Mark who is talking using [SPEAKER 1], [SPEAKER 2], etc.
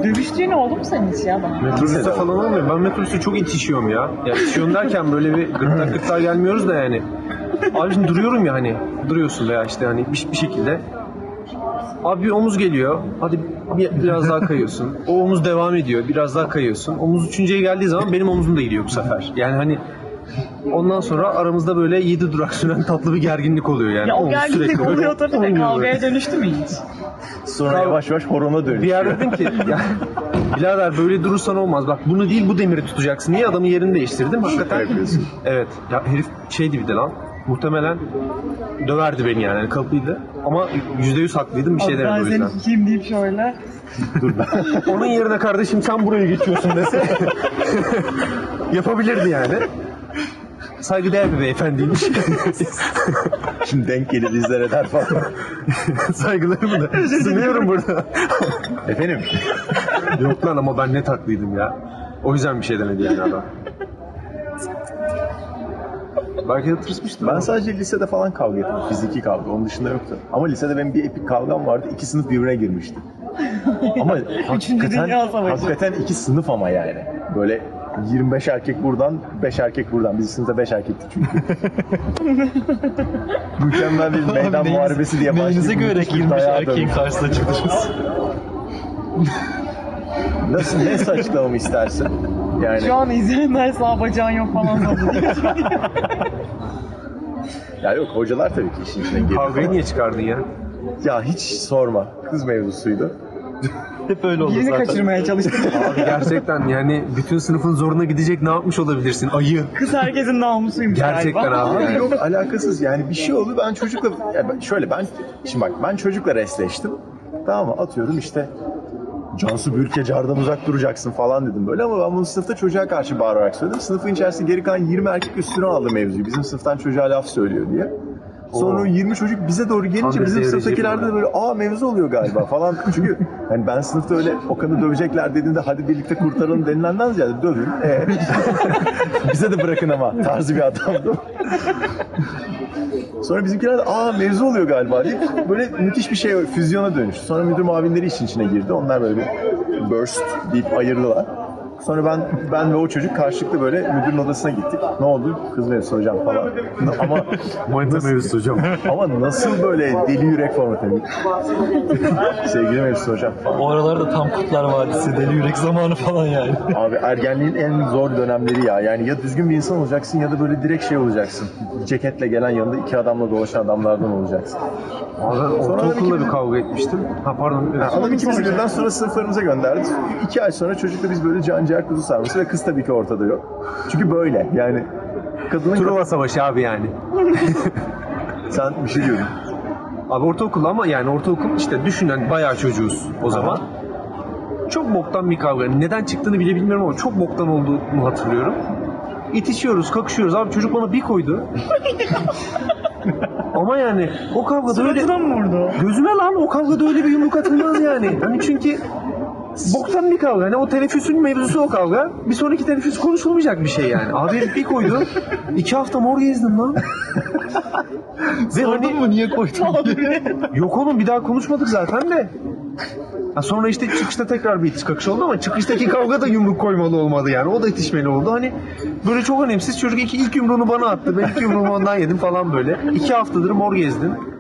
[SPEAKER 1] Dövüştüğün oldu mu senin hiç ya bana?
[SPEAKER 2] Metrobüste falan olmuyor. Ben metrobüste çok itişiyorum ya. Ya itişiyorum derken böyle bir gırtlak gelmiyoruz da yani. Abi şimdi duruyorum ya hani. Duruyorsun veya işte hani bir şekilde. Abi bir omuz geliyor. Hadi biraz daha kayıyorsun. O omuz devam ediyor. Biraz daha kayıyorsun. Omuz üçüncüye geldiği zaman benim omuzum da gidiyor bu sefer. Yani hani ondan sonra aramızda böyle 7 durak süren tatlı bir gerginlik oluyor yani.
[SPEAKER 1] Ya o
[SPEAKER 2] Omuz
[SPEAKER 1] gerginlik
[SPEAKER 2] sürekli böyle
[SPEAKER 1] oluyor tabii de
[SPEAKER 2] oynuyor
[SPEAKER 1] kavgaya
[SPEAKER 2] böyle.
[SPEAKER 1] dönüştü mü hiç?
[SPEAKER 3] Sonra yavaş yavaş horona
[SPEAKER 2] Bir
[SPEAKER 3] dönüşüyor.
[SPEAKER 2] yer dedim ki ya birader böyle durursan olmaz. Bak bunu değil bu demiri tutacaksın. Niye adamın yerini değiştirdim? Hakikaten.
[SPEAKER 3] yapıyorsun.
[SPEAKER 2] Evet. Ya herif şeydi bir de lan. Muhtemelen döverdi beni yani. Kalıplıydı. Ama %100 haklıydım. Bir şey demedi o
[SPEAKER 1] Ben
[SPEAKER 2] yüzden.
[SPEAKER 1] seni tutayım deyip şöyle.
[SPEAKER 2] Onun yerine kardeşim sen buraya geçiyorsun dese yapabilirdi yani. Saygıdeğer bir beyefendiymiş.
[SPEAKER 3] Şimdi denk gelir izler eder falan.
[SPEAKER 2] Saygılarımı da sunuyorum burada.
[SPEAKER 3] Efendim?
[SPEAKER 2] Yok lan ama ben net haklıydım ya. O yüzden bir şey demedi yani adam. Belki de tırsmıştır.
[SPEAKER 3] Ben sadece lisede falan kavga ettim. Fiziki kavga. Onun dışında yoktu. Ama lisede benim bir epik kavgam vardı. 2 sınıf birbirine girmişti. Ama
[SPEAKER 1] Dünya Savaşı.
[SPEAKER 3] hakikaten 2 sınıf ama yani. Böyle 25 erkek buradan, 5 erkek buradan. Biz sınıfta 5 erkektik çünkü. Mükemmel bir meydan muharebesi diye başlayıp
[SPEAKER 4] Neyinize göre
[SPEAKER 3] müthiş bir
[SPEAKER 4] 25
[SPEAKER 3] dayağa
[SPEAKER 4] erkeğin
[SPEAKER 3] dönmüş.
[SPEAKER 4] karşısına çıktınız?
[SPEAKER 3] Nasıl, ne açıklamamı istersin? Yani
[SPEAKER 1] Şu an izleyenler sağ bacağın yok falan sanıyor.
[SPEAKER 3] ya yok, hocalar tabii ki işin içine girdi.
[SPEAKER 2] Kavgayı niye çıkardın ya?
[SPEAKER 3] Ya hiç sorma. Kız mevzusuydu.
[SPEAKER 4] Hep öyle oldu
[SPEAKER 1] Birini
[SPEAKER 4] zaten.
[SPEAKER 1] kaçırmaya çalıştım.
[SPEAKER 2] Abi gerçekten yani bütün sınıfın zoruna gidecek ne yapmış olabilirsin? Ayı.
[SPEAKER 1] Kız herkesin namusuymuş
[SPEAKER 2] Gerçekten
[SPEAKER 1] galiba.
[SPEAKER 2] abi.
[SPEAKER 3] Abi
[SPEAKER 2] Yani.
[SPEAKER 3] yok, alakasız yani bir şey oldu, ben çocukla şimdi bak ben çocukla resleştim, tamam mı, atıyorum işte Cansu Bürkecar'dan uzak duracaksın falan dedim böyle, ama ben bunu sınıfta çocuğa karşı bağırarak söyledim. Sınıfın içerisinde geri kalan 20 erkek üstüne aldı mevzuyu, bizim sınıftan çocuğa laf söylüyor diye. Sonra o 20 çocuk bize doğru
[SPEAKER 2] Tam
[SPEAKER 3] gelince
[SPEAKER 2] bir
[SPEAKER 3] bizim
[SPEAKER 2] seyirci
[SPEAKER 3] sınıftakilerde de
[SPEAKER 2] bu.
[SPEAKER 3] böyle mevzu oluyor galiba falan. Çünkü hani ben sınıfta öyle Okan'ı dövecekler dediğinde hadi birlikte kurtaralım denilenden ziyade dövün. Bize de bırakın ama tarzı bir adamdım. Sonra bizimkiler de mevzu oluyor galiba deyip böyle müthiş bir şey, füzyona dönüştü. Sonra müdür muavinleri işin içine girdi. Onlar böyle bir burst deyip ayırdılar. Sonra ben ve o çocuk karşılıklı böyle müdürün odasına gittik. Ne oldu? Kız mevzusu hocam falan. Ama
[SPEAKER 2] Manita mevzusu hocam.
[SPEAKER 3] ama nasıl böyle deli yürek formatı? Sevgili mevzusu hocam falan.
[SPEAKER 4] O aralarda tam Kurtlar Vadisi, Deli Yürek zamanı falan yani.
[SPEAKER 3] Abi ergenliğin en zor dönemleri ya. Yani ya düzgün bir insan olacaksın ya da böyle direkt şey olacaksın. Ceketle gelen, yanında 2 adamla dolaşan adamlardan olacaksın.
[SPEAKER 2] Abi ben
[SPEAKER 3] Sonra
[SPEAKER 2] ortaokulda
[SPEAKER 3] iki-
[SPEAKER 2] bir kavga etmiştim. Ha pardon. Evet.
[SPEAKER 3] Adam ikimizi birden sonra sınıflarımıza gönderdi. 2 ay sonra çocukla biz böyle canciğer kuzu sarması ve kız tabii ki ortada yok. Çünkü böyle yani kadının...
[SPEAKER 2] Truva Savaşı abi yani.
[SPEAKER 3] Sen bir şey diyordun.
[SPEAKER 2] Abi ortaokul ama yani ortaokul işte düşünen bayağı çocuğuz o zaman. Çok boktan bir kavga. Neden çıktığını bile bilmiyorum ama çok boktan olduğunu hatırlıyorum. İtişiyoruz, kakışıyoruz. Abi çocuk bana bir koydu. Ama yani o kavgada öyle...
[SPEAKER 1] Suratına mı vurdu?
[SPEAKER 2] Gözüme lan o kavgada öyle bir yumruk atılmaz yani. Hani çünkü boktan bir kavga. Hani o teneffüsün mevzusu o kavga. Bir sonraki teneffüs konuşulmayacak bir şey yani. Abi herif bir koydu. 2 hafta mor gezdim lan. Ve
[SPEAKER 4] Sordun mu niye koydun diye?
[SPEAKER 2] yok oğlum bir daha konuşmadık zaten de. Ha sonra işte çıkışta tekrar bir itiş kakış oldu ama çıkıştaki kavga da yumruk koymalı olmadı yani. O da itişmeli oldu. Hani böyle çok önemsiz çocuk ilk yumruğunu bana attı. Ben ilk yumruğumu ondan yedim falan böyle. 2 haftadır mor gezdim.